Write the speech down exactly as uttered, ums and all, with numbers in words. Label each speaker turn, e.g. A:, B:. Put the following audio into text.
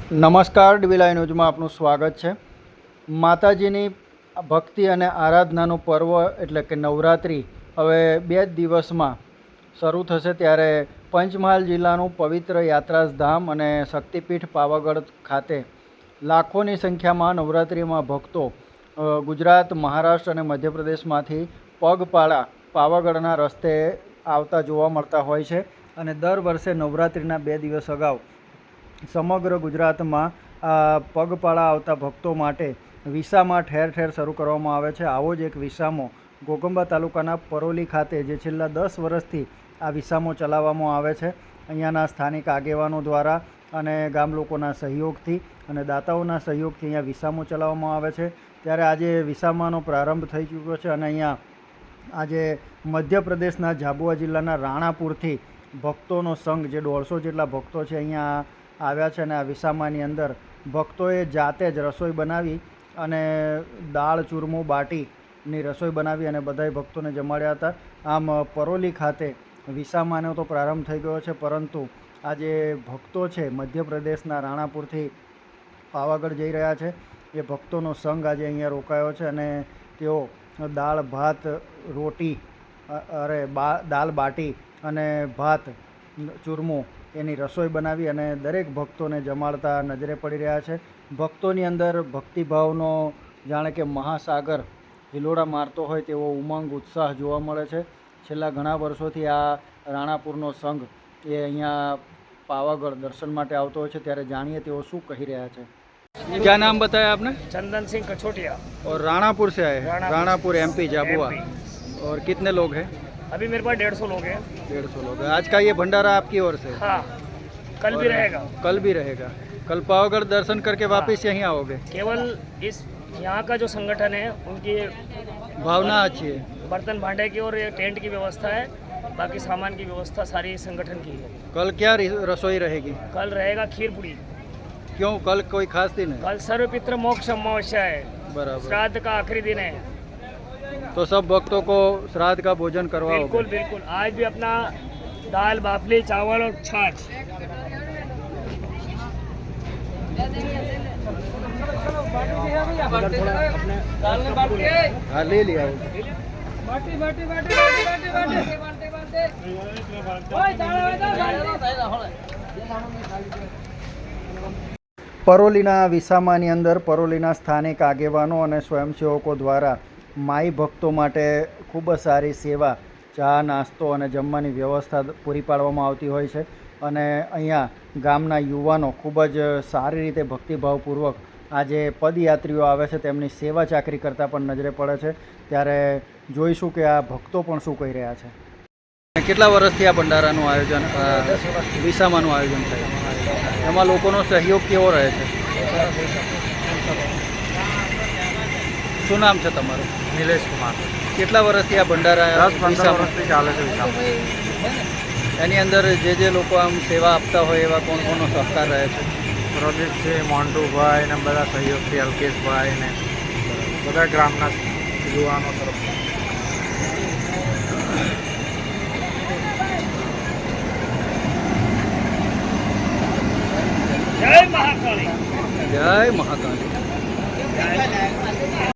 A: નમસ્કાર, ડીવીલાઈ ન્યૂઝમાં આપનું સ્વાગત છે। માતાજીની ભક્તિ અને આરાધનાનું પર્વ એટલે કે નવરાત્રિ હવે બે જ દિવસમાં શરૂ થશે, ત્યારે પંચમહાલ જિલ્લાનું પવિત્ર યાત્રાધામ અને શક્તિપીઠ પાવાગઢ ખાતે લાખોની સંખ્યામાં નવરાત્રિમાં ભક્તો ગુજરાત, મહારાષ્ટ્ર અને મધ્યપ્રદેશમાંથી પગપાળા પાવાગઢના રસ્તે આવતા જોવા મળતા હોય છે। અને દર વર્ષે નવરાત્રિના બે દિવસ અગાઉ સમગ્ર ગુજરાતમાં પગપાળા આવતા ભક્તો માટે વિસામા ઠેર ઠેર શરૂ કરવામાં આવે છે। આવો જ એક વિસામો ઘોઘંબા તાલુકાના પરોલી ખાતે જે છેલ્લા દસ વર્ષથી આ વિસામો ચલાવવામાં આવે છે, અહીંયાના સ્થાનિક આગેવાનો દ્વારા અને ગામ લોકોના સહયોગથી અને દાતાઓના સહયોગથી અહીંયા વિસામો ચલાવવામાં આવે છે। ત્યારે આજે વિસામાનો પ્રારંભ થઈ ચૂક્યો છે અને અહીંયા આજે મધ્યપ્રદેશના ઝાબુઆ જિલ્લાના રાણાપુરથી ભક્તોનો સંઘ જે દોઢસો જેટલા ભક્તો છે અહીંયા આવ્યા છે અને આ વિસામાની અંદર ભક્તોએ જાતે જ રસોઈ બનાવી અને દાળ ચૂરમું બાટીની રસોઈ બનાવી અને બધાય ભક્તોને જમાડ્યા હતા। આમ પરોલી ખાતે વિસામાનો તો પ્રારંભ થઈ ગયો છે, પરંતુ આજે ભક્તો છે મધ્યપ્રદેશના રાણાપુરથી પાવાગઢ જઈ રહ્યા છે, એ ભક્તોનો સંઘ આજે અહીંયા રોકાયો છે અને તેઓ દાળ ભાત રોટી અરે બા દાળ બાટી અને ભાત ચૂરમું એની રસોઈ બનાવી અને દરેક ભક્તોને જમાડતા નજરે પડી રહ્યા છે। ભક્તોની અંદર ભક્તિભાવનો જાણે કે મહાસાગર હિલોડા મારતો હોય તેવો ઉમંગ ઉત્સાહ જોવા મળે છે। છેલ્લા ઘણા વર્ષોથી આ રાણાપુરનો સંઘ એ અહીંયા પાવાગઢ દર્શન માટે આવતો હોય છે, ત્યારે જાણીએ તેઓ શું કહી રહ્યા છે। क्या नाम बताया आपने?
B: चंदन सिंह कछोटिया।
A: और राणापुर से आए?
B: राणापुर,
A: राणापुर एमपी झाबुआ। और कितने लोग हैं?
B: अभी मेरे पास डेढ़ सौ लोग हैं।
A: डेढ़ सौ लोग हैं। आज का ये भंडारा आपकी ओर से?
B: हाँ, कल भी रहेगा।
A: कल भी रहेगा। कल पावागढ़ दर्शन करके वापस यहीं आओगे?
B: केवल इस यहाँ का जो संगठन है उनकी
A: भावना अच्छी है।
B: बर्तन भांडे की और टेंट की व्यवस्था है, बाकी सामान की व्यवस्था सारी संगठन की है।
A: कल क्या रसोई रहेगी?
B: कल रहेगा खीर पूरी।
A: क्यों, कल कोई खास दिन है?
B: कल सर्वपित्र मोक्ष अमावस्या है,
A: बराबर,
B: श्राद्ध का आखिरी दिन है,
A: तो सब भक्तों को श्राद्ध का भोजन करवाओगे?
B: बिल्कुल बिल्कुल। आज भी अपना दाल बाफली चावल और छाछ।
A: हाँ, ले लिया। પરોલીના વિસામાની અંદર પરોલીના સ્થાનિક આગેવાનો અને સ્વયંસેવકો દ્વારા માઈ ભક્તો માટે ખૂબ જ સારી સેવા, ચા નાસ્તો અને જમવાની વ્યવસ્થા પૂરી પાડવામાં આવતી હોય છે અને અહીંયા ગામના યુવાનો ખૂબ જ સારી રીતે ભક્તિભાવપૂર્વક આ જે પદયાત્રીઓ આવે છે તેમની સેવા ચાકરી કરતાં પણ નજરે પડે છે। ત્યારે જોઈશું કે આ ભક્તો પણ શું કહી રહ્યા છે। કેટલા વર્ષથી આ ભંડારાનું આયોજન, વિસામાનું આયોજન થાય, એમાં લોકોનો સહયોગ કેવો રહે છે? શું નામ છે તમારું?
C: નિલેશ કુમાર।
A: કેટલા વર્ષથી આ ભંડારા
C: દસ પંદર વર્ષથી ચાલે છે વિસામા?
A: એની અંદર જે જે લોકો આમ સેવા આપતા હોય એવા કોણ કોનો સહકાર રહે છે?
C: પ્રદીપ છે, મોન્ટુભાઈ ને બધા સહયોગથી અલ્કેશભાઈ ને બધા ગ્રામના યુવાનો તરફ